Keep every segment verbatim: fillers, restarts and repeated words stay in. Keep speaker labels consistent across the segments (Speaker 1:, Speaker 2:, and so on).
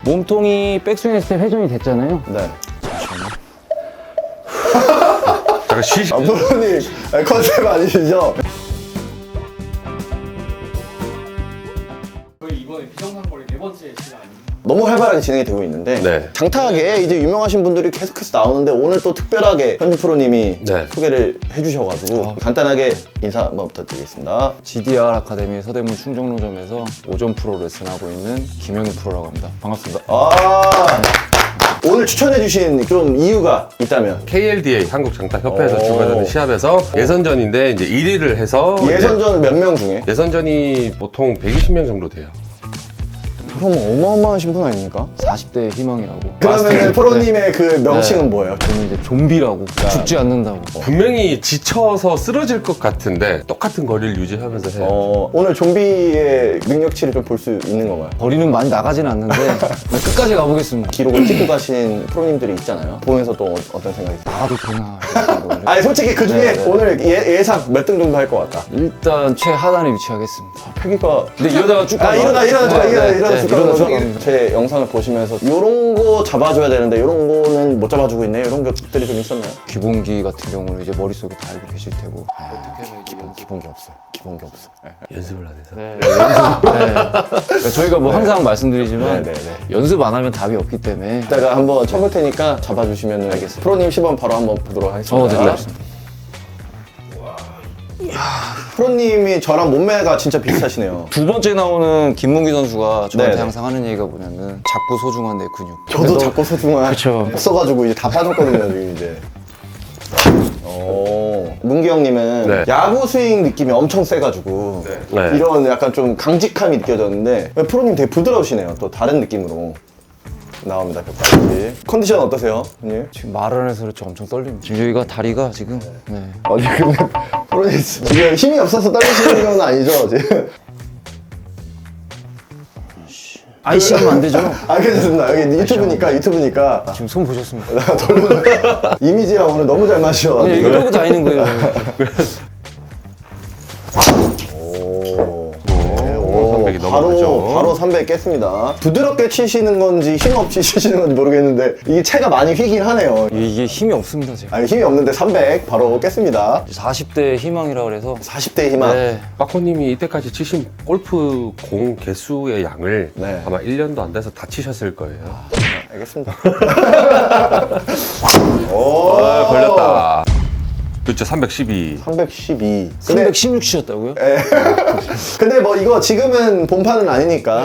Speaker 1: 몸통이 백스윙 했을 때 회전이 됐잖아요.
Speaker 2: 네.
Speaker 3: 잠깐 쉬시.
Speaker 2: 아, 프로님 컨셉 아니시죠?
Speaker 4: 저희 이번에 비정상거리 네 번째 시간 아닙니까?
Speaker 2: 너무 활발하게 진행이 되고 있는데
Speaker 3: 네.
Speaker 2: 장타하게 이제 유명하신 분들이 계속해서 나오는데 오늘 또 특별하게 현주 프로님이
Speaker 3: 네.
Speaker 2: 소개를 해주셔가지고 간단하게 인사 한번 부탁드리겠습니다.
Speaker 1: 지디알 아카데미 서대문 충정로점에서 오전 프로 레슨하고 있는 김영희 프로라고 합니다. 반갑습니다.
Speaker 2: 아 오늘 추천해주신 좀 이유가 있다면
Speaker 3: 케이엘디에이 한국장타협회에서
Speaker 2: 오.
Speaker 3: 주관하는 시합에서 예선전인데 이제 일 위를 해서
Speaker 2: 예선전 몇 명 중에?
Speaker 3: 이제 예선전이 보통 백이십 명 정도 돼요.
Speaker 2: 그럼 어마어마하신 분 아닙니까?
Speaker 1: 사십 대의 희망이라고.
Speaker 2: 그러면 프로님의 그 명칭은 뭐예요?
Speaker 1: 저는 이제 좀비라고. 죽지 않는다고.
Speaker 3: 분명히 지쳐서 쓰러질 것 같은데 똑같은 거리를 유지하면서 해요.
Speaker 2: 어, 오늘 좀비의 능력치를 좀 볼 수 있는 건가요?
Speaker 1: 거리는 많이 나가진 않는데 끝까지 가보겠습니다.
Speaker 2: 기록을 찍고 가신 프로님들이 있잖아요. 보면서 또 어- 어떤 생각이 드세요?
Speaker 1: 나가도 되나 이런 생각을.
Speaker 2: 아니 솔직히 그 중에
Speaker 1: 네, 네.
Speaker 2: 오늘 예, 예상 몇 등 정도 할 것 같다.
Speaker 1: 일단 최하단에 위치하겠습니다.
Speaker 2: 패기가
Speaker 1: 근데 이러다가 쭉
Speaker 2: 아
Speaker 1: 가면-
Speaker 2: 일어나 일어나 네,
Speaker 1: 네,
Speaker 2: 일어나
Speaker 1: 네,
Speaker 2: 일어나
Speaker 1: 네,
Speaker 2: 쭉
Speaker 1: 이러다 쭉
Speaker 2: 가면서
Speaker 1: 갑니다.
Speaker 2: 제 영상을 보시면서 이런 거 잡아줘야 되는데 이런 거는 못 잡아주고 있네 이런 것들이 좀 있었나요?
Speaker 1: 기본기 같은 경우는 이제 머릿속에 다 알고 계실 테고.
Speaker 2: 기본 기본 게 없어요. 기본 게 없어. 네.
Speaker 3: 연습을 안 해서.
Speaker 1: 네, 연습. 네. 그러니까 저희가 뭐 항상 말씀드리지만
Speaker 2: 네, 네, 네.
Speaker 1: 연습 안 하면 답이 없기 때문에.
Speaker 2: 이따가 한번 쳐볼 테니까 잡아주시면 알겠습니다. 프로님 시범 바로 한번 보도록 하겠습니다.
Speaker 1: 어, 네, 알겠습니다.
Speaker 2: 프로님이 저랑 몸매가 진짜 비슷하시네요.
Speaker 1: 두 번째 나오는 김문기 선수가 저한테
Speaker 2: 네네.
Speaker 1: 항상 하는 얘기가 뭐냐면 작고 소중한 내 근육.
Speaker 2: 저도 자꾸 소중한
Speaker 1: 그쵸.
Speaker 2: 없어가지고 이제 다 빠졌거든요 지금 이제. 오, 문기 형님은
Speaker 3: 네.
Speaker 2: 야구 스윙 느낌이 엄청 세가지고
Speaker 3: 네.
Speaker 2: 이런 약간 좀 강직함이 느껴졌는데 프로님 되게 부드러우시네요. 또 다른 느낌으로 나옵니다. 벽까지. 컨디션 어떠세요, 형님?
Speaker 1: 지금 말을 해서 그렇지 엄청 떨립니다. 지금 여기가 다리가 지금 네.
Speaker 2: 아니 근데 프로님 지금 힘이 없어서 떨리시는 건 아니죠 지금?
Speaker 1: 아이씨 하면 안 되죠.
Speaker 2: 아 괜찮습니다. 여기 유튜브니까 유튜브니까
Speaker 1: 지금 손 보셨습니다.
Speaker 2: 이미지랑 오늘 너무 잘 맞으셔.
Speaker 1: 그냥 여기 이러고 다니는 거예요.
Speaker 2: 오.
Speaker 3: 오, 삼백이
Speaker 2: 바로
Speaker 3: 넘어가죠.
Speaker 2: 바로 삼백 깼습니다. 부드럽게 치시는 건지 힘 없이 치시는 건지 모르겠는데 이게 채가 많이 휘긴 하네요.
Speaker 1: 이게 힘이 없습니다 제가.
Speaker 2: 아니 힘이 없는데 삼백 바로 깼습니다.
Speaker 1: 사십 대 희망이라 그래서.
Speaker 2: 사십 대의 희망.
Speaker 1: 네.
Speaker 3: 빠코님이 이때까지 치신 골프 공 개수의 양을
Speaker 2: 네.
Speaker 3: 아마 일 년도 안 돼서 다 치셨을 거예요.
Speaker 2: 알겠습니다. 오.
Speaker 3: 아, 걸렸다. 그렇죠, 삼백십이.
Speaker 2: 삼백십이. 근데,
Speaker 1: 삼백십육 치셨다고요?
Speaker 2: 근데 뭐 이거 지금은 본판은 아니니까.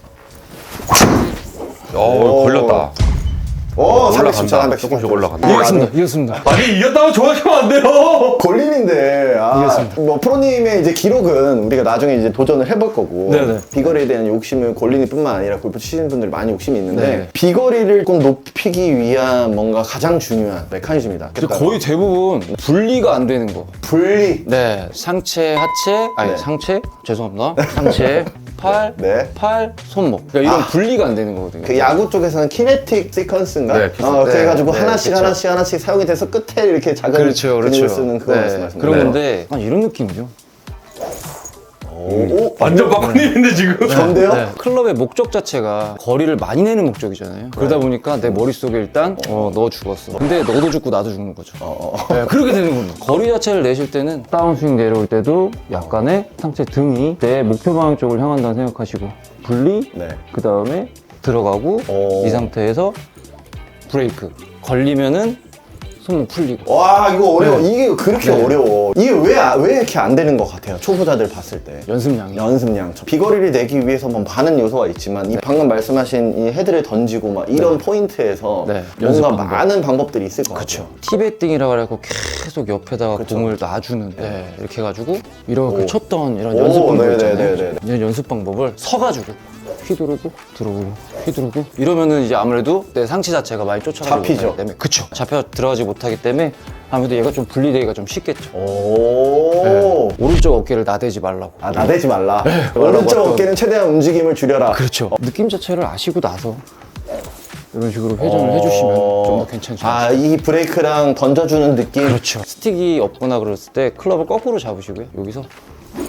Speaker 3: 어, 걸렸다.
Speaker 2: 오, 삼백십사,
Speaker 3: 올라간다.
Speaker 2: 삼백십사.
Speaker 3: 조금씩 올라간다.
Speaker 1: 이겼습니다. 이겼습니다.
Speaker 3: 아니, 이겼다고 좋아하시면 안 돼요!
Speaker 2: 걸림인데 아, 뭐 프로님의 이제 기록은 우리가 나중에 이제 도전을 해볼 거고
Speaker 1: 네네.
Speaker 2: 비거리에 대한 욕심은 걸림이뿐만 아니라 골프 치시는 분들이 많이 욕심이 있는데
Speaker 1: 네네.
Speaker 2: 비거리를 꼭 높이기 위한 뭔가 가장 중요한 메커니즘이다.
Speaker 1: 근데 거의 대부분 분리가 안 되는 거.
Speaker 2: 분리.
Speaker 1: 네, 상체, 하체, 아니
Speaker 2: 네.
Speaker 1: 상체, 죄송합니다. 상체, 팔,
Speaker 2: 네.
Speaker 1: 팔, 손목. 그러니까 이런 분리가 안 되는 거거든요.
Speaker 2: 그 야구 쪽에서는 키네틱 시퀀스인가?
Speaker 3: 네,
Speaker 2: 어,
Speaker 1: 네,
Speaker 2: 그래가지고
Speaker 1: 네,
Speaker 2: 하나씩
Speaker 1: 그쵸.
Speaker 2: 하나씩 하나씩 사용이 돼서 끝에 이렇게 작은
Speaker 1: 그렇죠,
Speaker 2: 근육을
Speaker 1: 그렇죠.
Speaker 2: 쓰는 그거
Speaker 1: 네,
Speaker 2: 말씀하시는
Speaker 1: 그런
Speaker 2: 거예요.
Speaker 1: 건데 약간 이런 느낌이죠.
Speaker 2: 오, 오,
Speaker 3: 완전 빠코님인데, 지금.
Speaker 2: 전데요?
Speaker 1: 네. 클럽의 목적 자체가 거리를 많이 내는 목적이잖아요. 그러다 보니까 내 머릿속에 일단 어, 너 죽었어. 근데 너도 죽고 나도 죽는 거죠. 네, 그렇게 되는 겁니다. 거리 자체를 내실 때는 다운스윙 내려올 때도 약간의 상체 등이 내 목표 방향 쪽을 향한다고 생각하시고 분리,
Speaker 2: 네.
Speaker 1: 그 다음에 들어가고
Speaker 2: 오.
Speaker 1: 이 상태에서 브레이크. 걸리면은 손목 풀리고.
Speaker 2: 와 이거 어려워.
Speaker 1: 네.
Speaker 2: 이게 그렇게
Speaker 1: 네.
Speaker 2: 어려워. 이게 왜, 아- 왜 이렇게 안 되는 것 같아요? 초보자들 봤을 때.
Speaker 1: 연습량이.
Speaker 2: 연습량. 비거리를 내기 위해서 뭐 많은 요소가 있지만 이 방금 말씀하신 이 헤드를 던지고 막 이런 포인트에서
Speaker 1: 네. 연습
Speaker 2: 뭔가
Speaker 1: 방법.
Speaker 2: 많은 방법들이 있을 것
Speaker 1: 그쵸.
Speaker 2: 같아요.
Speaker 1: 티베팅이라고 해갖고 계속 옆에다가
Speaker 2: 그쵸.
Speaker 1: 공을 놔주는. 네. 이렇게 해가지고 이렇게
Speaker 2: 오.
Speaker 1: 쳤던 이런
Speaker 2: 오,
Speaker 1: 연습 방법
Speaker 2: 네네네네.
Speaker 1: 있잖아요. 이런 연습 방법을 서가지고 휘두르고 들어오고 휘두르고 이러면은 이제 아무래도 내 상체 자체가 많이 쫓아가지
Speaker 2: 잡히죠.
Speaker 1: 못하기 때문에 그쵸. 잡혀 들어가지 못하기 때문에 아무래도 얘가 좀 분리되기가 좀 쉽겠죠.
Speaker 2: 오.
Speaker 1: 네. 오른쪽 어깨를 나대지 말라고.
Speaker 2: 아 나대지 말라. 오른쪽
Speaker 1: 말라고 했던-
Speaker 2: 어깨는 최대한 움직임을 줄여라.
Speaker 1: 그렇죠. 느낌 자체를 아시고 나서 이런 식으로 회전을
Speaker 2: 어.
Speaker 1: 해주시면 좀 더 괜찮죠.
Speaker 2: 아, 이 브레이크랑 던져주는 느낌.
Speaker 1: 그렇죠. 스틱이 없거나 그랬을 때 클럽을 거꾸로 잡으시고요. 여기서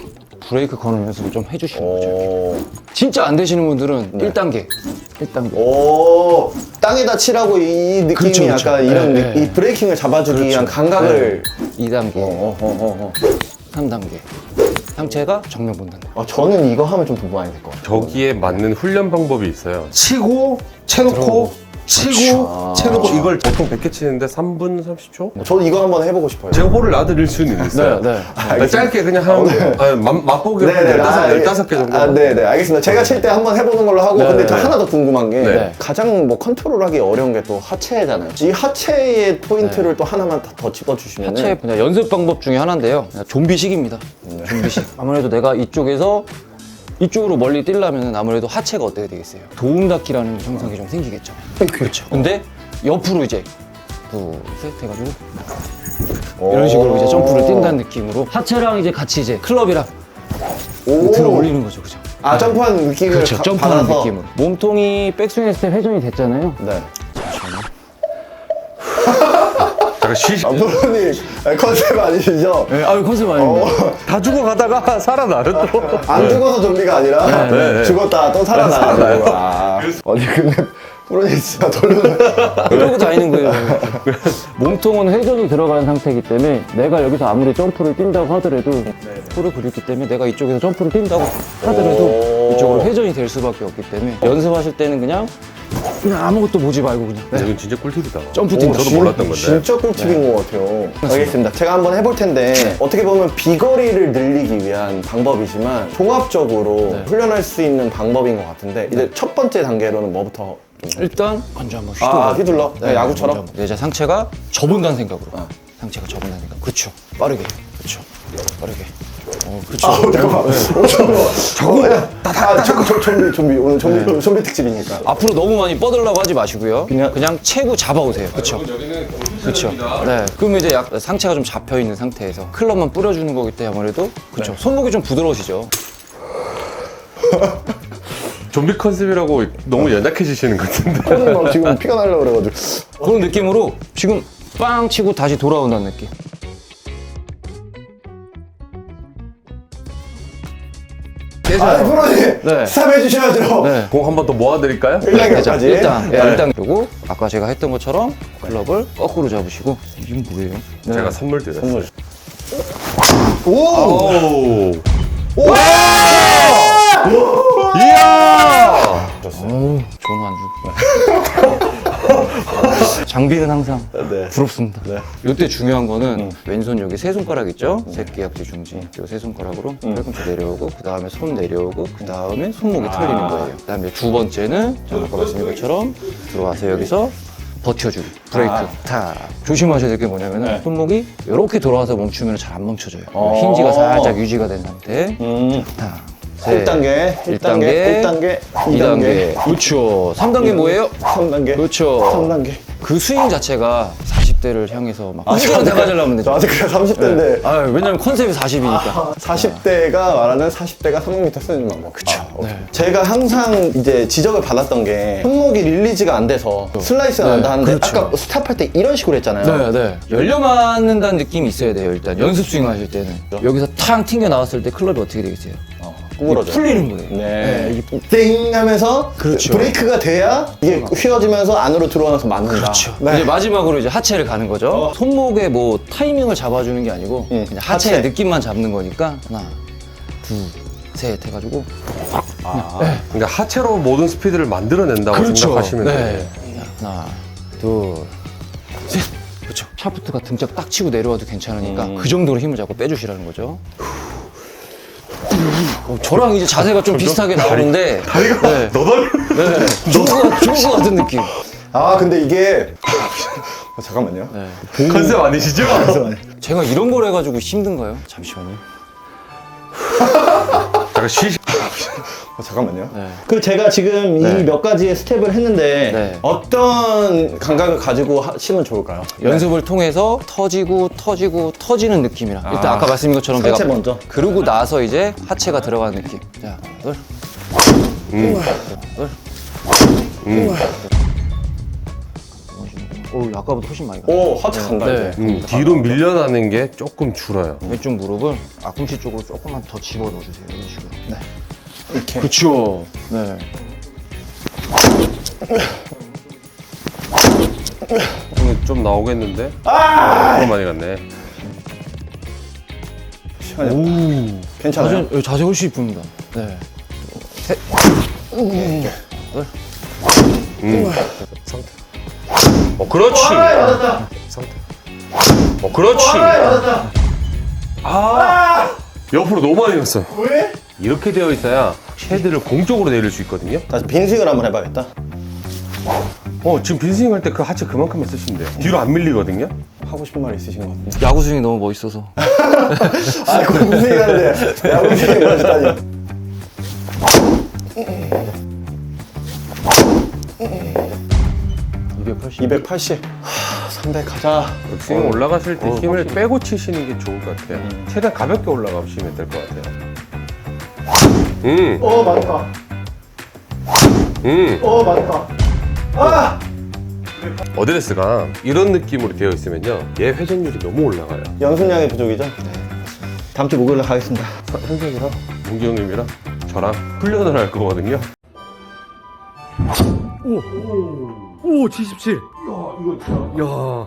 Speaker 1: 브레이크 거는 연습을 좀 해주시는 거죠.
Speaker 2: 오.
Speaker 1: 진짜 안 되시는 분들은 일 단계. 일 단계.
Speaker 2: 오, 땅에다 치라고 이 느낌이
Speaker 1: 그렇죠, 그렇죠.
Speaker 2: 약간 이런
Speaker 1: 네,
Speaker 2: 느-
Speaker 1: 네.
Speaker 2: 이 브레이킹을 잡아주기
Speaker 1: 그렇죠.
Speaker 2: 위한 감각을.
Speaker 1: 이 단계.
Speaker 2: 어, 어, 어, 어.
Speaker 1: 삼 단계. 상체가 정면 본다는 거.
Speaker 2: 어, 저는 이거 하면 좀 도움 많이 될 것 같아요.
Speaker 3: 저기에 맞는 훈련 방법이 있어요. 치고,
Speaker 1: 들어오고.
Speaker 3: 채놓고, 치고,
Speaker 2: 아.
Speaker 3: 채놓고. 이걸 보통 백 개 치는데 삼 분 삼십 초?
Speaker 2: 저도 이거 한번 해보고 싶어요.
Speaker 3: 제가 볼을 놔드릴 수는 있어요.
Speaker 1: 네, 네.
Speaker 3: 그러니까 짧게 그냥 한, 아, 맛- 맛보기로 한 열다섯, 열다섯 개 정도.
Speaker 2: 아, 네네, 알겠습니다. 제가 칠 때 한번 해보는 걸로 하고,
Speaker 1: 네,
Speaker 2: 근데 저
Speaker 1: 네.
Speaker 2: 하나 더 궁금한 게,
Speaker 3: 네.
Speaker 2: 가장 뭐 컨트롤하기 어려운 게 또 하체잖아요. 이 하체의 포인트를 또 하나만 더, 더 집어주시면.
Speaker 1: 하체 그냥 연습 방법 중에 하나인데요. 그냥 좀비식입니다. 좀비식. 아무래도 내가 이쪽에서 이쪽으로 멀리 뛰려면 아무래도 하체가 어떻게 되겠어요? 도움 닫기라는 현상이 좀 생기겠죠. 그렇죠. 근데 옆으로 이제 둘, 셋 해가지고 이런 식으로 이제 점프를 뛴다는 느낌으로 하체랑 이제 같이 이제 클럽이랑
Speaker 2: 오.
Speaker 1: 들어 올리는 거죠, 그죠?
Speaker 2: 아, 점프하는 느낌을
Speaker 1: 그렇죠.
Speaker 2: 가-
Speaker 1: 점프하는
Speaker 2: 받아서.
Speaker 1: 느낌으로. 몸통이 백스윙 했을 때 회전이 됐잖아요.
Speaker 2: 네.
Speaker 3: 잠깐 쉬시.
Speaker 2: 아, 프로님 컨셉 아니시죠?
Speaker 1: 네, 아유 컨셉 아닙니다.
Speaker 3: 다 죽어가다가 살아나요 또.
Speaker 2: 안 죽어서 좀비가 아니라
Speaker 3: 네.
Speaker 2: 죽었다 또 살아나요. 아. 아니 근데 프로님 진짜 돌려서
Speaker 1: 이러고 다니는 거예요. 몸통은 회전이 들어간 상태이기 때문에 내가 여기서 아무리 점프를 뛴다고 하더라도 프로 그렸기 때문에 내가 이쪽에서 점프를 뛴다고 하더라도
Speaker 2: 오.
Speaker 1: 이쪽으로 회전이 될 수밖에 없기 때문에 연습하실 때는 그냥 그냥 아무것도 보지 말고 그냥 네.
Speaker 3: 이건 진짜 꿀팁이다.
Speaker 1: 점프
Speaker 3: 오,
Speaker 1: 뛴다.
Speaker 3: 저도 몰랐던 건데.
Speaker 2: 진짜 꿀팁인 것 같아요. 알겠습니다. 제가 한번 해볼 텐데 어떻게 보면 비거리를 늘리기 위한 방법이지만 종합적으로 훈련할 수 있는 방법인 것 같은데 이제 첫 번째 단계로는 뭐부터? 좀
Speaker 1: 일단 먼저 한번
Speaker 2: 아,
Speaker 1: 휘둘러.
Speaker 2: 휘둘러? 네, 야구처럼?
Speaker 1: 먼저 한번. 이제 상체가 접은다는 생각으로. 상체가 접은다는 생각. 그렇죠. 빠르게. 그렇죠. 빠르게. 어, 그렇죠.
Speaker 2: 아, 잠깐만. 어, 잠깐만. 잠깐만. 아, 저, 저, 좀비, 좀비. 오늘 좀비, 좀비 특집이니까.
Speaker 1: 앞으로 너무 많이 뻗으려고 하지 마시고요.
Speaker 2: 그냥-
Speaker 1: 그냥 채고 잡아오세요. 그렇죠. 그렇죠. 네. 그러면 이제 약 상체가 좀 잡혀 있는 상태에서 클럽만 뿌려주는 거기 때문에 아무래도 그렇죠. 손목이 좀 부드러우시죠.
Speaker 3: 좀비 컨셉이라고 너무 연약해지시는 것 같은데.
Speaker 2: 프로님 막 지금 피가 나려고 그래가지고.
Speaker 1: 그런 느낌으로 지금 빵 치고 다시 돌아온다는 느낌.
Speaker 2: 아, 프로님!
Speaker 1: 네.
Speaker 2: 스탑 해주셔야죠.
Speaker 1: 네.
Speaker 3: 공 한 번 더 모아드릴까요?
Speaker 2: 일 단계까지.
Speaker 1: 일단
Speaker 2: 네.
Speaker 1: 일단 그리고 아까 제가 했던 것처럼 클럽을 거꾸로 잡으시고 이게 뭐예요?
Speaker 3: 제가 선물 드렸어요.
Speaker 2: 선물. 오!
Speaker 3: 오!
Speaker 2: 오!
Speaker 3: 이야!
Speaker 1: 좋은 안주. 장비는 항상
Speaker 2: 네.
Speaker 1: 부럽습니다.
Speaker 2: 네.
Speaker 1: 이때 중요한 거는 왼손 여기 세 손가락 있죠? 새끼, 약지, 중지. 이 세 손가락으로 팔꿈치 내려오고 그 다음에 손 내려오고 그 다음에 손목이 털리는 거예요. 그 다음에 두 번째는 제가 아까 말씀드린 것처럼 들어와서 여기서 버텨주기. 브레이크. 탁. 조심하셔야 될 게 뭐냐면은 손목이 이렇게 돌아와서 멈추면 잘 안 멈춰져요.
Speaker 2: 어.
Speaker 1: 힌지가 살짝 유지가 된 상태.
Speaker 2: 음.
Speaker 1: 탁.
Speaker 2: 일 단계, 일 단계, 일 단계,
Speaker 1: 이 단계. 그렇죠. 삼 단계 뭐예요?
Speaker 2: 삼 단계.
Speaker 1: 그렇죠.
Speaker 2: 삼 단계.
Speaker 1: 그 스윙 자체가 사십 대를 향해서 막 혼자로 대가지려면 되죠.
Speaker 2: 저 아직 그냥 삼십 대인데
Speaker 1: 아, 왜냐면 컨셉이 사십이니까.
Speaker 2: 사십 대가 말하는 사십 대가 삼백 미터 쓰는 방법. 그쵸.
Speaker 1: 네.
Speaker 2: 제가 항상 이제 지적을 받았던 게 손목이 릴리즈가 안 돼서 슬라이스가
Speaker 1: 네,
Speaker 2: 난다 하는데
Speaker 1: 그렇죠.
Speaker 2: 아까 스탑할 때 이런 식으로 했잖아요.
Speaker 1: 네, 네. 열려 맞는다는 느낌이 있어야 돼요, 일단. 연습 스윙 하실 때는. 여기서 탕 튕겨 나왔을 때 클럽이 어떻게 되겠어요?
Speaker 2: 어, 구부러져.
Speaker 1: 풀리는 거예요.
Speaker 2: 네. 띵 하면서
Speaker 1: 그렇죠.
Speaker 2: 브레이크가 돼야 이게 휘어지면서 안으로 들어와서 맞는다.
Speaker 1: 그렇죠.
Speaker 2: 네.
Speaker 1: 이제 마지막으로 이제 하체를 가는 거죠. 손목에 뭐 타이밍을 잡아주는 게 아니고
Speaker 2: 응,
Speaker 1: 그냥 하체의
Speaker 2: 하체.
Speaker 1: 느낌만 잡는 거니까 하나, 둘, 셋 해가지고
Speaker 3: 그러니까 하체로 모든 스피드를 만들어낸다고 생각하시면 돼요.
Speaker 1: 네. 하나, 둘, 셋. 그렇죠. 샤프트가 등짝 딱 치고 내려와도 괜찮으니까 그 정도로 힘을 잡고 빼주시라는 거죠. 어, 저랑 이제 자세가 좀 비슷하게 나오는데
Speaker 3: 다리가
Speaker 1: 네.
Speaker 3: 너덜.
Speaker 1: 네. 죽을 것, 죽을 것 같은 느낌.
Speaker 2: 아 근데 이게 어, 잠깐만요.
Speaker 1: 네.
Speaker 3: 컨셉 아니시죠?
Speaker 1: 제가 이런 걸 해가지고 힘든가요? 잠시만요.
Speaker 3: 잠깐 쉬시.
Speaker 2: 어, 잠깐만요.
Speaker 1: 네.
Speaker 2: 그 제가 지금
Speaker 1: 네.
Speaker 2: 이 몇 가지의 스텝을 했는데
Speaker 1: 네.
Speaker 2: 어떤 감각을 가지고 하시면 좋을까요?
Speaker 1: 연습을 통해서 터지고 터지고 터지는 느낌이라 일단 아까 말씀드린 것처럼
Speaker 2: 상체
Speaker 1: 내가
Speaker 2: 먼저.
Speaker 1: 그러고 나서 이제 하체가 들어가는 느낌. 자, 둘,
Speaker 3: 음.
Speaker 1: 둘,
Speaker 3: 음.
Speaker 1: 오, 아까보다 훨씬 많이 가.
Speaker 2: 오, 하체 간다,
Speaker 1: 네.
Speaker 2: 이제.
Speaker 3: 음, 뒤로 밀려나는 게 조금 줄어요.
Speaker 1: 왼쪽 무릎을 앞꿈치 쪽으로 조금만 더 집어넣어주세요. 이런 식으로. 네.
Speaker 2: 이렇게.
Speaker 1: 그쵸. 네.
Speaker 3: 오늘 좀 나오겠는데? 아! 너무 많이 갔네.
Speaker 2: 시간이
Speaker 3: 오.
Speaker 2: 괜찮아요?
Speaker 1: 자세, 자세 훨씬 이쁩니다. 네. 셋.
Speaker 3: 음. 상태. 어, 그렇지. 상태. 어, 그렇지. 아. 옆으로 너무 많이 갔어요.
Speaker 2: 왜?
Speaker 3: 이렇게 되어 있어야 헤드를 공쪽으로 내릴 수 있거든요.
Speaker 2: 다시 빈스윙을 한번 해봐야겠다.
Speaker 3: 어, 지금 빈스윙 할 때 그 하체 그만큼만 쓰시면 돼요. 뒤로 안 밀리거든요.
Speaker 2: 하고 싶은 말 있으신 것 같은데.
Speaker 1: 야구 스윙이 너무 멋있어서.
Speaker 2: 아, 공스윙 하는데 야구 스윙 멋있다니.
Speaker 1: 이백팔십.
Speaker 2: 이백팔십. 하, 삼백 가자.
Speaker 3: 스윙 올라갔을 때 힘을 빼고 치시는 게 좋을 것 같아요. 최대한 가볍게 올라가시면 될 것 같아요. 음,
Speaker 2: 어, 맞다.
Speaker 3: 음.
Speaker 2: 어, 맞다. 아!
Speaker 3: 어드레스가 이런 느낌으로 되어 있으면요, 얘 회전율이 너무 올라가요.
Speaker 2: 연습량의 부족이죠? 네. 다음 주 목요일에 가겠습니다.
Speaker 3: 현석이랑 문기 형님이랑 저랑 훈련을 할 거거든요.
Speaker 5: 오, 칠십칠. 야, 이거 진짜. 야.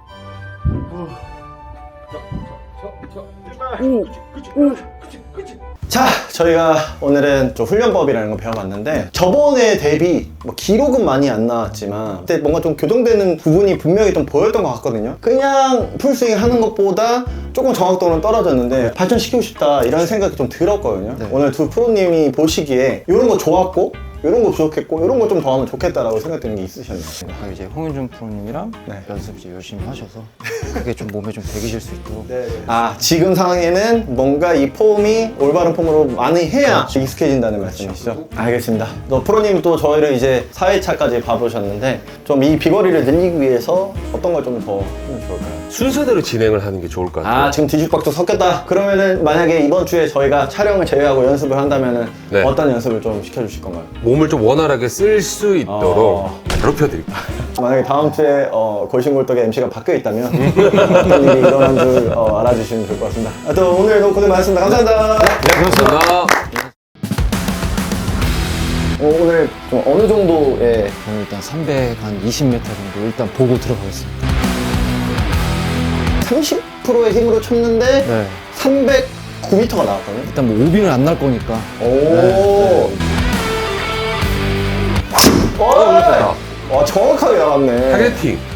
Speaker 2: 자, 저희가 오늘은 좀 훈련법이라는 거 배워봤는데 저번에 대비 뭐 기록은 많이 안 나왔지만 그때 뭔가 좀 교정되는 부분이 분명히 좀 보였던 것 같거든요. 그냥 풀스윙 하는 것보다 조금 정확도는 떨어졌는데 발전시키고 싶다 이런 생각이 좀 들었거든요.
Speaker 1: 네.
Speaker 2: 오늘 두 프로님이 보시기에 이런 거 좋았고 이런 거 부족했고 이런 거 좀 더 하면 좋겠다라고 생각되는 게 있으셨나요?
Speaker 1: 아, 이제 홍윤준 프로님이랑
Speaker 2: 네.
Speaker 1: 연습 이제 열심히 하셔서 그게 좀 몸에 좀 배기실 수 있도록.
Speaker 2: 아, 지금 상황에는 뭔가 이 폼이 올바른 폼으로 많이 해야 익숙해진다는 말씀이시죠? 알겠습니다. 또 프로님 또 저희를 이제 사 회차까지 봐보셨는데 좀 이 비거리를 늘리기 위해서 어떤 걸 좀 더 하면 좋을까요?
Speaker 3: 순서대로 진행을 하는 게 좋을 것 같아요.
Speaker 2: 아, 지금 뒤죽박죽 섞였다. 그러면은 만약에 이번 주에 저희가 촬영을 제외하고 연습을 한다면은
Speaker 3: 네.
Speaker 2: 어떤 연습을 좀 시켜주실 건가요?
Speaker 3: 몸을 좀 원활하게 쓸 수 있도록
Speaker 2: 어.
Speaker 3: 괴롭혀드릴게요.
Speaker 2: 만약에 다음 주에 어, 골신골떡의 엠시가 바뀌어 있다면 어떤 일이 일어난 줄 어, 알아주시면 좋을 것 같습니다. 아, 또 오늘도 고생 많으셨습니다. 감사합니다.
Speaker 3: 감사합니다.
Speaker 2: 어, 오늘 좀 어느 정도의
Speaker 1: 저는 일단 삼백이십 미터 정도 일단 보고 들어가겠습니다.
Speaker 2: 삼십 퍼센트의 힘으로 쳤는데
Speaker 1: 네.
Speaker 2: 삼백구 미터가 나왔거든요.
Speaker 1: 일단 뭐 오비는 안 날 거니까.
Speaker 2: 오.
Speaker 1: 네.
Speaker 2: 와, 와, 정확하게 나왔네.
Speaker 3: 타겟팅.